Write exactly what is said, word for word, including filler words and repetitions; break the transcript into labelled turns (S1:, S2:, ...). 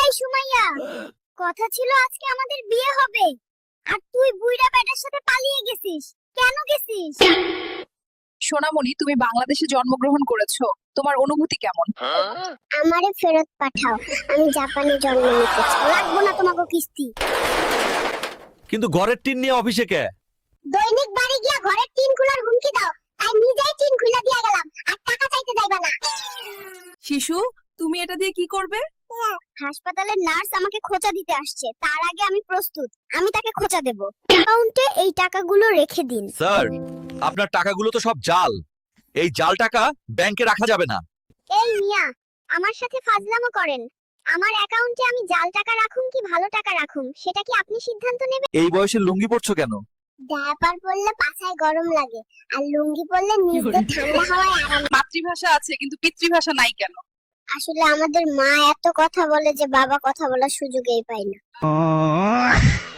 S1: এই সুমাইয়া, কথা ছিল আজকে আমাদের বিয়ে হবে, আর তুই বুইড়া বেটার সাথে পালিয়ে গেছিস। কেন গেছিস?
S2: সোনামণি, তুমি বাংলাদেশে জন্মগ্রহণ করেছো, তোমার অনুভূতি কেমন?
S1: আমারে ফেরত পাঠাও, আমি জাপানে জন্ম নিতে চাই। লাগবো না তোমাকে কিস্তি।
S3: কিন্তু ঘরের টিন নিয়ে অফিসে কে?
S1: দৈনিক বাড়ি গিয়া ঘরের টিন খোলার হুমকি দাও, তাই নিজেই টিন খুলে দিয়া গেলাম, আর টাকা চাইতে যাইবা না।
S2: শিশু, তুমি এটা দিয়ে কি করবে?
S1: হাসপাতালের নার্স আমাকে খোঁচা দিতে আসছে, তার আগে আমি প্রস্তুত, আমি তাকে খোঁচা দেব। অ্যাকাউন্টে এই টাকাগুলো রেখে দিন।
S3: স্যার, আপনার টাকাগুলো তো সব জাল। এই জাল টাকা ব্যাংকে রাখা যাবে না।
S1: এই মিয়া, আমার সাথে ফাজলামো করেন? আমার অ্যাকাউন্টে আমি জাল টাকা রাখুম কি ভালো টাকা রাখুম, সেটা কি আপনি সিদ্ধান্ত নেবেন।
S3: এই বয়সে লুঙ্গি পরছো কেন?
S1: ডায়াপার পরলে পাছায় গরম লাগে, আর লুঙ্গি পরলে নিজে ঠান্ডা হাওয়ায় আরাম।
S2: মাতৃভাষা আছে কিন্তু পিতৃভাষা নাই কেন?
S1: আসলে আমাদের মা এত কথা বলে যে বাবা কথা বলার সুযোগই পায় না।